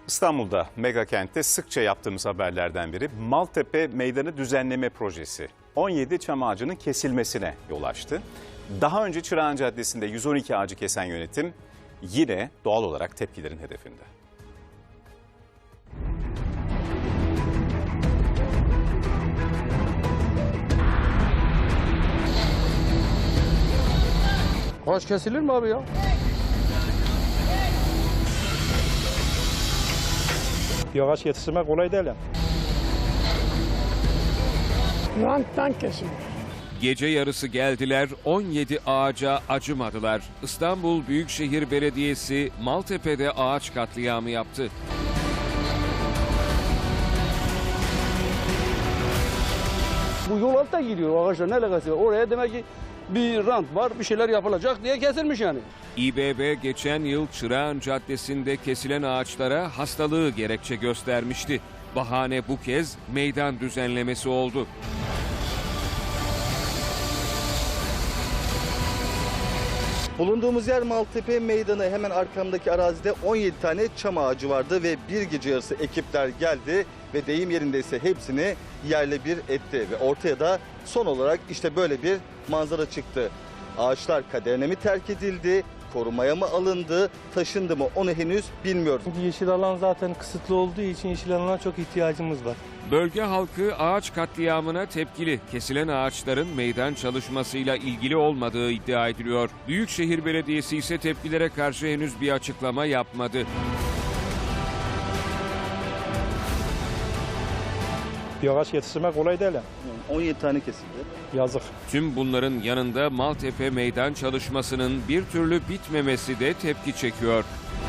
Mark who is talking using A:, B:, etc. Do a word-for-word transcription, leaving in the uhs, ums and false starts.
A: İstanbul'da mega kentte sıkça yaptığımız haberlerden biri Maltepe Meydanı Düzenleme Projesi. on yedi çam ağacının kesilmesine yol açtı. Daha önce Çırağan Caddesi'nde yüz on iki ağacı kesen yönetim yine doğal olarak tepkilerin hedefinde.
B: Ağaç kesilir mi abi ya?
C: Bir ağaç yetiştirmek kolay değil yani.
D: Ranttan kesilir.
E: Gece yarısı geldiler, on yedi ağaca acımadılar. İstanbul Büyükşehir Belediyesi Maltepe'de ağaç katliamı yaptı.
B: Bu yol altta gidiyor ağaçlar, ne alakası var? Oraya demek ki bir rant var, bir şeyler yapılacak diye kesilmiş yani.
E: İ B B geçen yıl Çırağan Caddesi'nde kesilen ağaçlara hastalığı gerekçe göstermişti. Bahane bu kez meydan düzenlemesi oldu.
F: Bulunduğumuz yer Maltepe Meydanı, hemen arkamdaki arazide on yedi tane çam ağacı vardı ve bir gece yarısı ekipler geldi ve deyim yerindeyse hepsini yerle bir etti ve ortaya da son olarak işte böyle bir manzara çıktı. Ağaçlar kaderine mi terk edildi, korumaya mı alındı, taşındı mı onu henüz bilmiyoruz.
C: Çünkü yeşil alan zaten kısıtlı olduğu için yeşil alana çok ihtiyacımız var.
E: Bölge halkı ağaç katliamına tepkili. Kesilen ağaçların meydan çalışmasıyla ilgili olmadığı iddia ediliyor. Büyükşehir Belediyesi ise tepkilere karşı henüz bir açıklama yapmadı.
C: Bir ağaç yetiştirmek kolay değil yani.
F: on yedi tane kesildi.
C: Yazık.
E: Tüm bunların yanında Maltepe meydan çalışmasının bir türlü bitmemesi de tepki çekiyor.